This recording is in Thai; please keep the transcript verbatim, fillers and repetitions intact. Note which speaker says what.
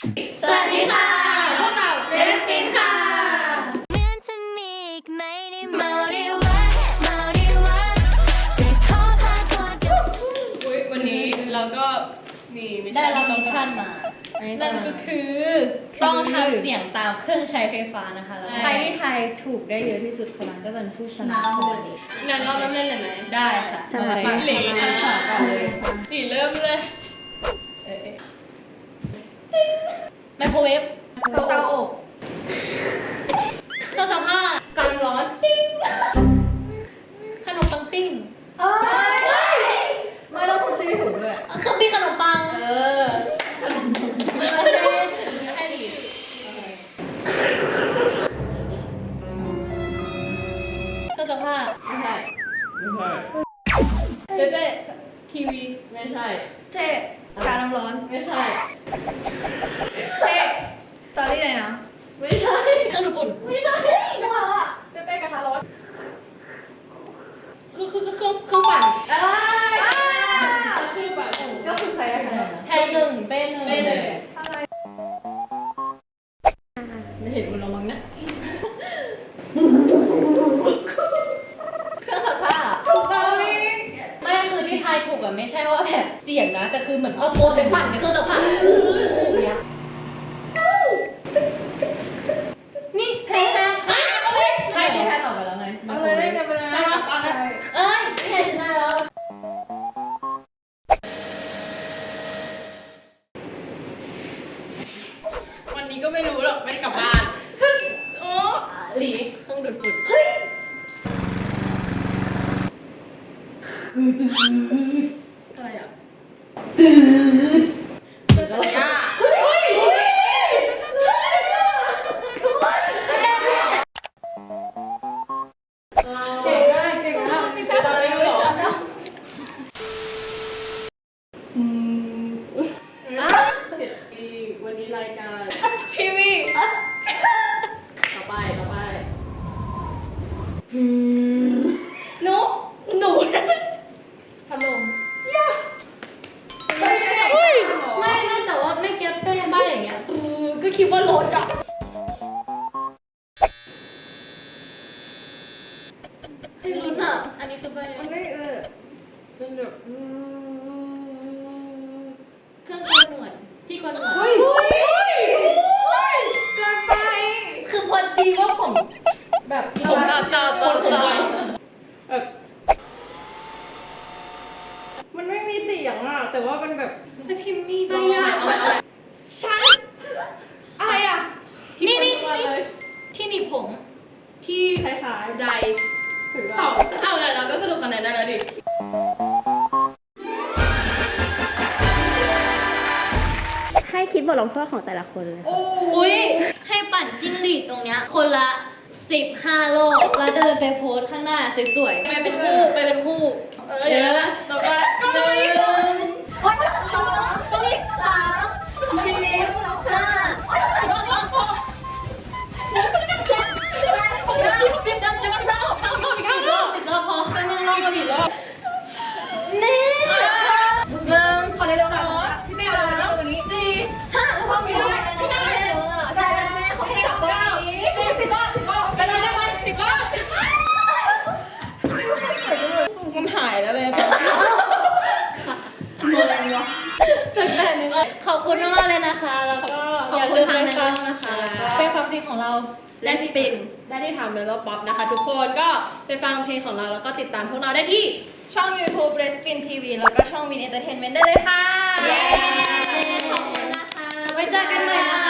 Speaker 1: สวัสดีค่ะพวกเราเรสปินค่ะอุ๊ยวันนี้เราก็มีมิช
Speaker 2: ได้
Speaker 1: ชั่น
Speaker 2: รับมิชชั่นมานั่นก็คือต้องทำเสียงตามเครื่องใช้ไฟฟ้านะคะแล้ว
Speaker 3: ใครที่ทายถูกได้เยอะที่สุดคนนั้นก็เป็นผู้ชนะของวันนี้
Speaker 1: งั้นเราเริ่มเล่นเลยไหม
Speaker 2: ได้ค่ะ
Speaker 3: ทำไม
Speaker 1: หลีนะ
Speaker 3: ก่อนเลย
Speaker 1: หลีเริ่มเลย
Speaker 2: เอ๊ะไมโครเวฟ
Speaker 3: เตาอบ
Speaker 2: เครื่องซักผ้า
Speaker 1: การร้อนติ้ง
Speaker 2: ขนมปังปิ้ง
Speaker 3: เอ้ยไม่ต้องพูดชื่อถูกด้วย
Speaker 2: เครื่องปิ้งขนมปัง
Speaker 3: เออ
Speaker 2: ให้ดีเครื่องซักผ้า
Speaker 1: ไม่ใช่
Speaker 4: ไม่ใช่
Speaker 1: เป๊ะทีวีไม่ใช่
Speaker 3: เจ๊การน้ำร้อน
Speaker 1: ไม่ใช่
Speaker 3: เจ๊ตอนนี้เลยนะ
Speaker 1: ไม่ใช่
Speaker 2: เครื่องดูดฝุ่น
Speaker 1: ไม่ใช่กระทะอ่ะเป๊ะกระทะร้อนคือคือคือเครื่องเครื่องปั่นอ่าเครื่องปั่น
Speaker 3: ก็คือใครได้คะแนน
Speaker 2: แทนหนึ่งเป้หนึ่ง
Speaker 1: เป๊ะเลยไม่เห็นคุณเรามั้งนะเครื่องซักผ้า
Speaker 3: ถูกต้อง
Speaker 2: ไม่คือที่ทายถูกอะไม่ใช่ว่าแบบเสียงนะ แต่คือเหมือนเอาโมไปปั่นในเครื่องซักผ้านี่แพ้แพ้เอาเลย
Speaker 1: ใช่ที่แพ้ตอบไปแล้วไง
Speaker 3: เอาเลยเล่นกันไปเลย
Speaker 2: ใช่ปะเอ้ยแพ้ชนะแล้ว
Speaker 1: วันนี้ก็ไม่รู้หรอกไม่ได้กลับบ้าน
Speaker 2: โอ้หลี
Speaker 1: เครื่องดูดฝุ่นอะไรอ่ะตื่นอะไรอ่ะ
Speaker 2: เก่งมากเก่งมาก
Speaker 1: มีแต่อะไรเหรออืมอ่ะวันนี้รายการทีวีต่อไปต่อไป
Speaker 3: หนูหนู
Speaker 1: พัดลม
Speaker 3: ไม่ใช่
Speaker 2: เฮ้ยไม่น่าจะว่าไม่เก็ตเป้บ้าอย่างเงี้ยเออก็คิดว่ารถอะให้ลุ้นอะอันนี้คือไป
Speaker 1: มันไม่เออเป็นแบบ
Speaker 2: เครื่องโกนหนวดที่โกนหนวด
Speaker 1: เฮ้ยเฮ้ยเกินไป
Speaker 2: คือพอดีว่าผมแบบ
Speaker 1: ผมตาตาตาตาแบบมันไม่มีเสียงอ่ะแต่ว่ามันแบบ
Speaker 2: ไปพิมพ์มีใบ
Speaker 1: เอา
Speaker 2: ยา
Speaker 1: เอาเอา
Speaker 3: ฉันอะไรอ่ะ
Speaker 2: นี่นี่
Speaker 1: มาเลย
Speaker 2: ที่หนีบผม
Speaker 1: ที่คล้ายๆใดถึงเราเอาแล้วเราก็สรุปคะแนนได้แล้วดิ
Speaker 5: ให้คิดบทลงโทษของแต่ละคนเลย
Speaker 1: โอ้
Speaker 2: อุ้ยให้ปั่นจิ้งหรีดตรงเนี้ยคนละสิบห้ารอบแล้วเดินไปโพสข้างหน้าสวยๆไปเป็นคู่ไปเป็นคู่
Speaker 1: เออเดี๋ยวนะต่อไปก็เลย
Speaker 2: โอ๊ยสองตรงนี้สามสี่ห้าหกหกเจ็ดแปดเก้าสิบดังยังไม่ได้เข้าเข้าอีกห้ารอบสิบรอบพอ
Speaker 1: เป็นยังลองกันอีกรอบ
Speaker 2: นี่หนึ่ง
Speaker 3: ขอเร็วๆหน่อยพี่แม่เอาแล้ววันนี้
Speaker 2: สี่ห้าแล้วก็มีด้วยไม่ได้เลยแต่เขาไม่จับตัวนี้สิบรอบสิบรอบไปเลยได้ไหมสิบรอบ
Speaker 3: มันหายแล้วเลย
Speaker 2: ขอบคุณมากเลยนะคะ แล้วก็อย่าลืมไปฟังนะคะเป็นฟังเพลงของเรา
Speaker 1: และสปินได้ที่ทำเมโลป๊อปนะคะ ทุกคนก็ไปฟังเพลงของเราแล้วก็ติดตามพวกเราได้ที่
Speaker 3: ช่อง YouTube r e s p i n ที วี แล้วก็ช่อง Win Entertainment ได้เลยค่ะ
Speaker 1: เย้ขอบคุณนะคะ
Speaker 2: ไว้เจอกันใหม่นะคะ